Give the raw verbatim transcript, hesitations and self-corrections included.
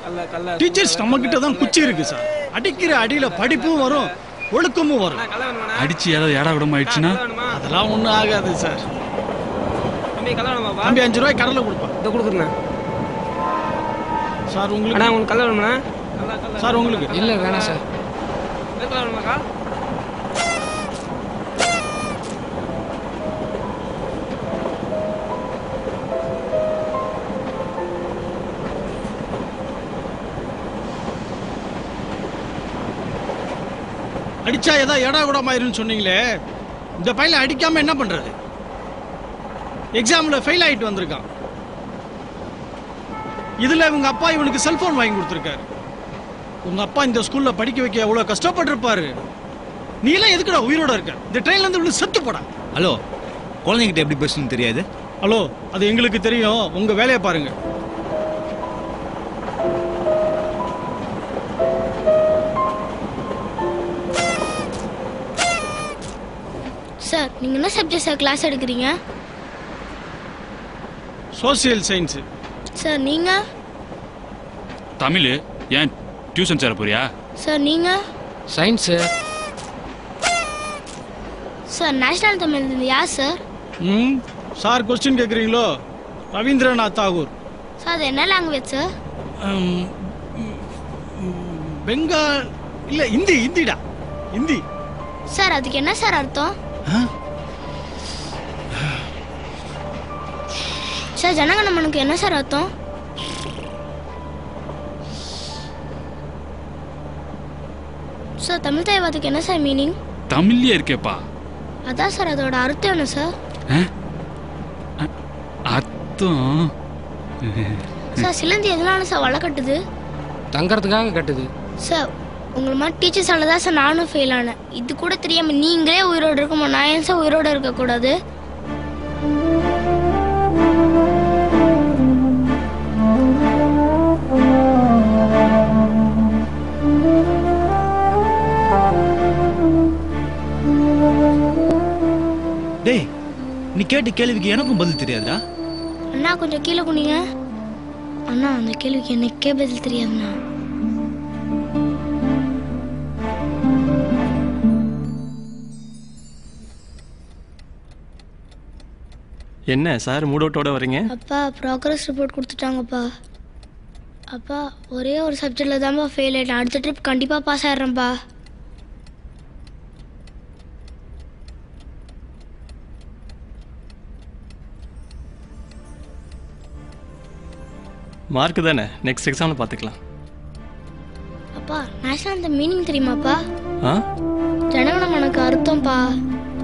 Teachers நம்ம கிட்ட தான் குச்சி இருக்கு சார். அடிக்கிற அடியில படிப்பும் வரும், ஒழுக்கமும் வரும். அடிச்சு ஏதாவது ஏடா விடமா ஆயிடுச்சுன்னா அதெல்லாம் ஒன்றும் ஆகாது சார். தம்பி அஞ்சு ரூபாய் கடலை கொடுப்பேன். இதை கொடுக்குறேண்ணா. சார் உங்களுக்கு அண்ணா உங்களுக்கு கல்ல வேணுமாண்ணா? சார் உங்களுக்கு இல்லை வேணாம் சார். கல்ல வேணுமாக்கா? அடிச்சா ஏதாவது ஏடா கூட ஆயிருன்னு சொன்னீங்களே, இந்த பையனை அடிக்காம என்ன பண்றது? எக்ஸாம்ல ஃபெயில் ஆயிட்டு வந்திருக்கான். இதுல இவங்க அப்பா இவனுக்கு செல்போன் வாங்கி கொடுத்துருக்காரு. உங்க அப்பா இந்த ஸ்கூல்ல படிக்க வைக்க எவ்வளவு கஷ்டப்பட்டிருப்பாரு. நீ எல்லாம் எதுக்குடா உயிரோட இருக்க? இந்த ட்ரெயின்ல இருந்து இவ்வளவு செத்து போடா. ஹலோ, குழந்தைங்கிட்ட எப்படி பேசணும்னு தெரியாது? ஹலோ, அது எங்களுக்கு தெரியும். உங்க வேலையை பாருங்க. சார், நீங்க என்ன சப்ஜெக்ட் சார் கிளாஸ் எடுக்கிறீங்க? Social science. சார் நீங்க? தமிழ். ஏன் டியூஷன் சேர போறியா? சார் நீங்க? சயின்ஸ். சார் நேஷனல் தமிழ் யார் சார்? ம் சார் கொஸ்டின் கேட்குறீங்களோ? ரவீந்திரநாத் தாகூர். சார் அது என்ன லாங்குவேஜ் சார்? பெங்கால் இல்லை, ஹிந்தி. ஹிந்திடா, ஹிந்தி. சார் அதுக்கு என்ன சார் அர்த்தம்? சார் ஜனகணமனுக்கு என்ன சார் அர்த்தம்? சார் தமிழ் தேவாதுக்கு என்ன சார் மீனிங்? தமிழ்லயே இருக்கேப்பா. அதான் சார் அதோட அர்த்தம் என்ன சார்? அர்த்தம் சார் சிலந்தி எதனால சார் வலை கட்டுது? தங்கறதுக்காக கட்டுது. சார் உங்களை மாதிரி டீச்சர்ஸால தான் சார் நானும் ஃபெயில் ஆனேன். இது கூட தெரியாம நீங்களே உயிரோடு இருக்குமா, நான் ஏன் சார் உயிரோடு இருக்கக்கூடாது? டேய், நீ கேட்ட கேள்விக்கு எனக்கும் பதில் தெரியாதா? அண்ணா கொஞ்சம் கீழே குனிங்க. அண்ணா அந்த கேள்விக்கு எனக்கே பதில் தெரியாதுண்ணா. என்ன சார் மூடோட்டோட வரீங்க? அப்பா ப்ராக்ரஸ் ரிப்போர்ட் கொடுத்துட்டாங்கப்பா. அப்பா ஒரே ஒரு சப்ஜெக்டில் தான்ப்பா ஃபெயில் ஆகிட்டேன். அடுத்த ட்ரிப் கண்டிப்பாக பாஸ் ஆகிடுறேன்ப்பா. மார்க் தானே, நெக்ஸ்ட் எக்ஸாமில் பார்த்துக்கலாம். அப்பா நேஷனல் அந்த மீனிங் தெரியுமாப்பா? ஆ ஜனகணமனுக்கு அர்த்தம்ப்பா.